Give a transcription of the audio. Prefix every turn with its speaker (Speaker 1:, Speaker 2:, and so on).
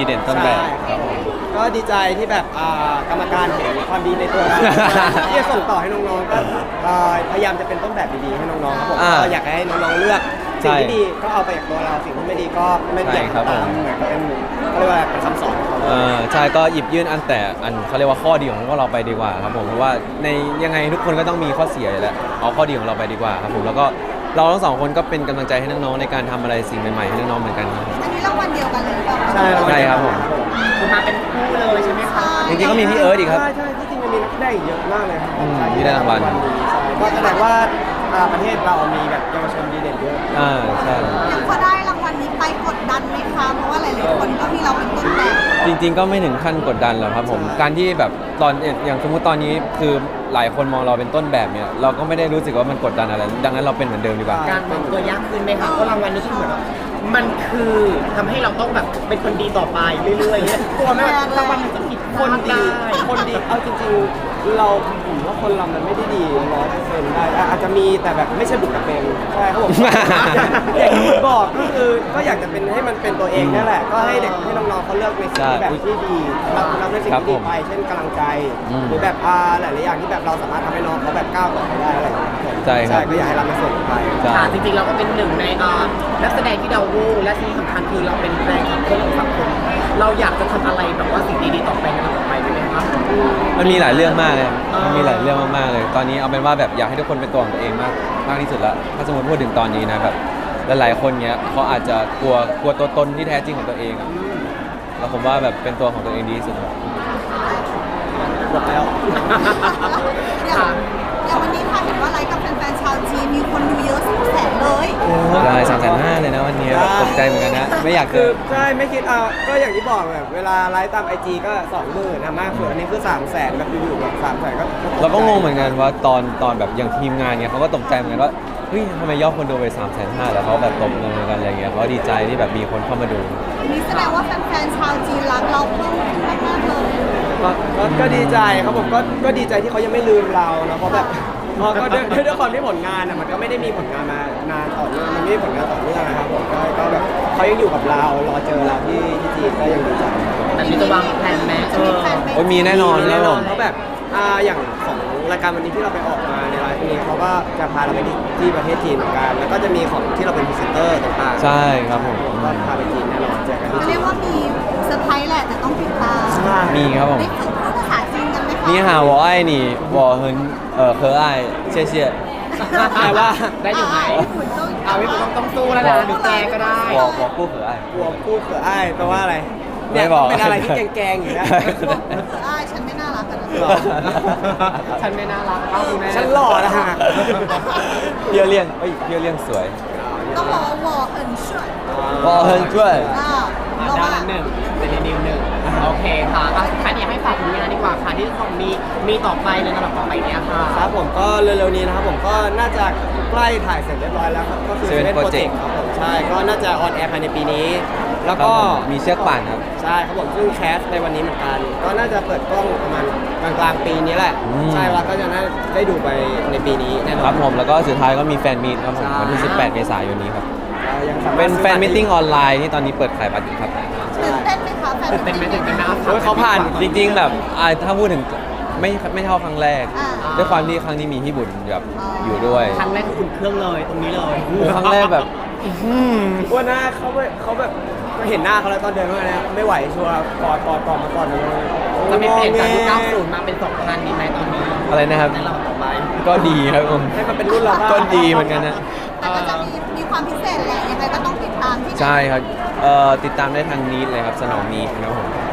Speaker 1: เด่นต้นแบบ
Speaker 2: ใช่ครับผมก็ดีใจที่แบบกรรมการเห็นความดีในตัวเราที่จะส่งต่อให้น้องๆก็พยายามจะเป็นต้นแบบดีๆให้น้องๆครับผมก็อยากให้น้องๆเลือกสิ่งที่ดีก็เอาไปจากตัวเราสิ่งที่ไม่ดีก็ไม่อยากตามเหมือนกับเป็นเขาเรียกว่าเป็นคำสอนของเขา
Speaker 1: ใช่ก็หยิบยื่นอันเขาเรียกว่าข้อดีของพวกเราไปดีกว่าครับผมเพราะว่าในยังไงทุกคนก็ต้องมีข้อเสียอยู่แล้วเอาข้อดีของเราไปดีกว่าครับผมแล้วก็เราทั้งสองคนก็เป็นกำลังใจให้น้องๆในการทำอะไรสิ่งใหม่ๆให้น้องๆเหมือนกันครับ
Speaker 3: อันนี้รางวัลเดียวกันเลยหรือเปล่า
Speaker 1: ใช่ครับผม
Speaker 4: คือมาเป็นคู่เลยใช่ไหมคะ
Speaker 1: จริงๆก็มีพี่เอิร์ธอีกครับ
Speaker 2: ใช่ที่จริงมันมีนักแสดงอีกเยอะมากเลยครับ
Speaker 1: ที่ได้รางวัล
Speaker 2: ก็แสดงว่าประเทศเรามีแบบเยาวชนดีเด่นเยอะ
Speaker 1: ใช่
Speaker 3: อย่างพอได้รางวัลนี้ไปกดดันไหมคะเพราะว่าหลายๆคนก็มีเราเป็นต้นแบบ
Speaker 1: จริงๆก็ไม่ถึงขั้นกดดันหรอกครับผมการที่แบบตอนอย่างสมมติตอนนี้คือหลายคนมองเราเป็นต้นแบบเนี่ยเราก็ไม่ได้รู้สึกว่ามันกดดันอะไรดังนั้นเราเป็นเหมือนเดิมดีกว่า
Speaker 4: การวางตัวยากขึ้นไหมคะเพราะรางวัลนี้คือเหมือนมันคือทำให้เราต้องแบบเป็นคนดีต่อไปเรื่อยๆเนี่ยกลัวไหมว่ารางวัลมันจะผิดพ
Speaker 2: ค
Speaker 4: ลาด
Speaker 2: นดี
Speaker 4: ได้
Speaker 2: คนดีเอาจริงๆเราผมว่าคนเรามันไม่ได้ดี100%ได้อาจจะมีแต่แบบไม่ใช่บุคลิกเป็นใช่ครับผมอย่างที่บอกก็คือก็อยากจะเป็นให้มันเป็นตัวเองนั่นแหละก็ให้เด็กให้น้องๆเขาเลือกในสิ่งที่แบบที่ดีรับในสิ่งที่ดีไปเช่นกำลังใจหรือแบบหลายๆอย่างที่แบบเราสามารถทำให้น้องเขาแบบก้าวต่อไปได้อะไรอย่างเงี้ย
Speaker 1: ใช่ครับ
Speaker 2: ก็อยากให้รับในส่วนไป
Speaker 4: ค่ะจริงๆเราก็เป็นหนึ่งในนักแสดงที่ดาวรุ่งและที่สำคัญคือเราเป็นแรงขับเคลื่อนของสังคมเราอยากจะทำอะไรแบบว่าสิ่งดีๆต่อไปในต่อไปได้ไหมครับ
Speaker 1: มันมีหลายเรื่องมากเลยมันมีหลายเรื่องมากๆเลย ตอนนี้เอาเป็นว่าแบบอยากให้ทุกคนเป็นตัวของตัวเองมากที่สุดละถ้าสมมติพูดถึงตอนนี้นะแบบหลายๆคนเนี้ยเขาอาจจะกลัวตัวตนที่แท้จริงของตัวเองอะแล้วผมว่าแบบเป็นตัวของตัวเองดีที่สุดครับ
Speaker 2: หมดแล้ว
Speaker 3: อย่างวันนี้ค่ะเห็นว่าไลฟ์กับแฟนๆชาวจีนมีคนดูเยอะ200,000เลย
Speaker 1: ได้350,000เลยนะวันนี้แบบตกใจเหมือนกันนะไม่อยาก
Speaker 2: คือ
Speaker 1: เกิน
Speaker 2: ใช่ไม่คิดก็อย่างที่บอกแบบเวลาไลฟ์ตามไอจีก็20,000นะมากสุดอันนี้คือ300,000แบบอยู่ๆแบบ300,000ก็
Speaker 1: เราก็งงเหมือนกันว่าตอนแบบอย่างทีมงานเนี่ยเขาก็ตกใจเหมือนกันว่าเฮ้ยทำไมยอดคนดูไป350,000แล้วเขาแบบตบมือกันอะไรเงี้ยเขาดีใจที่แบบมีคนเข้ามาดู
Speaker 3: นี่แสดงว่าแฟนๆชาวจีนรักเราเพิ่มขึ้นมากๆเลย
Speaker 2: ก็ดีใจครับผมก็ดีใจที่เขายังไม่ลืมเรานะเพราะแบบก็ด้วยความที่ผลงานมันก็ไม่ได้มีผลงานมานานต่อเนื่องมันไม่มีผลงานต่อเนื่องนะครับผมก็แบบเขายังอยู่กับเรารอเจอเราที่จีนก็ยังดีใจ
Speaker 4: แต่มีจะวางแผนไหม
Speaker 3: จะมีแฟนไหม
Speaker 1: โอ้ยมีแน่นอน
Speaker 2: แน่
Speaker 1: แน่
Speaker 2: น
Speaker 1: น
Speaker 2: อ
Speaker 1: อน น
Speaker 2: เพราะแบบอย่างของรายการวันนี้ที่เราไปออกมาในไลฟ์นี้เขาก็จะพาเราไปที่ประเทศจีนเหมือนกันแล้วก็จะมีของที่เราเป็นพรีเซนเตอร์ต่างๆ
Speaker 1: ใช่ครับผม
Speaker 2: ก็พาไปจีนแน่นอนเจอกันที่
Speaker 3: เขา
Speaker 2: จี
Speaker 3: เรีย
Speaker 2: น
Speaker 3: กว่ามีเซอร์ไพรส์แหละแต่ต้องติดตาม
Speaker 1: มีครับผม
Speaker 3: ได้ฝึกพูดภาษาจีนกันไหมคะ
Speaker 1: นี่หา我爱你我很可爱谢谢
Speaker 2: แปลว่า
Speaker 4: ได้อยู่ไหม
Speaker 3: ฝุ่นต้อง
Speaker 4: เอาไม่ต้องสู้แล้วนะหรือแปลก็ได้
Speaker 1: 我不可爱
Speaker 2: กลัวพูดเผื่ออ้ายแปลว่าอะไร
Speaker 1: ไม่
Speaker 2: เนี่ย
Speaker 1: บอก
Speaker 2: เป็นอะไรที่แกงๆอยู่นะ
Speaker 3: อ้ายฉันไม่น่ารักกันนะ
Speaker 2: หรอ
Speaker 4: ฉันไม่น่ารักเอ้าคุณแม่
Speaker 2: ฉันหล่อนะฮะ
Speaker 1: เพียวเลี่ยงเพียวเลี่ยงสวย
Speaker 3: ต้องบอกว่า我很帅
Speaker 1: 我很帅
Speaker 3: เรา
Speaker 4: ด้า
Speaker 3: ว่า
Speaker 4: นหนึ่งเป็นนิวหนึ่งโอเคค่ะคันอยากให้ฝากผลงานดีกว่าค่ะที่ของมีต่อไปในลำดับต่อไปเนี้ยค่ะ
Speaker 2: ครับผมก็เร็วๆนี้นะครับผมก็น่าจะใกล้ถ่ายเสร็จเรียบร้อยแล้วครับก็คือ
Speaker 1: Seven
Speaker 2: Seven
Speaker 1: Project
Speaker 2: Project ครับผมใช่ก็น่าจะออนแอร์ภายในปีนี้ แล้วก็
Speaker 1: ครับผมมีเชือกป่านครับ
Speaker 2: ใช่ครับผมซึ่งแคสในวันนี้เหมือนกัน ก็น่าจะเปิดกล้องประมาณกลางๆปีนี้แหละ ใช่แล้วก็จะน่าได้ดูไปในปีนี้แน่นอน
Speaker 1: ครับผมแล้วก็สุดท้ายก็มีแฟนมีตครับผม
Speaker 2: ใช่
Speaker 1: วันที่ 18 เมษายนนี้ครับ
Speaker 2: ยังสามารถ
Speaker 1: เป็นแฟนมิทติ้งออนไลน์ที่ตอนนี้เปิดขายบัตรอยู่ครับ
Speaker 3: ตื่นเต้นไหมคะแฟน
Speaker 4: ตื่นเต้นไหมตื่นเต้นไหม
Speaker 2: โอ้ยเขาผ่าน
Speaker 1: จริงๆแบบถ้าพูดถึงไม่เท่าครั้งแรก ด้วยความที่ครั้งนี้มีพี่บุญแบบอยู่ด้วย
Speaker 4: ครั้งแรกคืออุ่นเครื่องเลยตรงนี้เลย
Speaker 1: ครั้งแรกแบบ
Speaker 2: ว่าหน้าเขาแบบเห็นหน้าเขาแล้วตอนเดินมาเนี่ยไม่ไหวชัวร์กอดมาก่อนเลย
Speaker 4: จะไม่เปลี่ยนจากยุค90มาเป็น2000ดีไหมตอนนี้
Speaker 1: อะไรนะครับ
Speaker 4: ในลำดับต่อไป
Speaker 1: ก็ดีครับผม
Speaker 2: ให้มันเป็นรุ่นเราบ้าง
Speaker 1: ก็ดีเหมือนกันนะ
Speaker 3: แต่ก็จะมีความพิเศษแหละยังไงก็ต้องติดตามที่ไหน
Speaker 1: ใช่ครับติดตามได้ทางนี้เลยครับสนองนี้ครับผม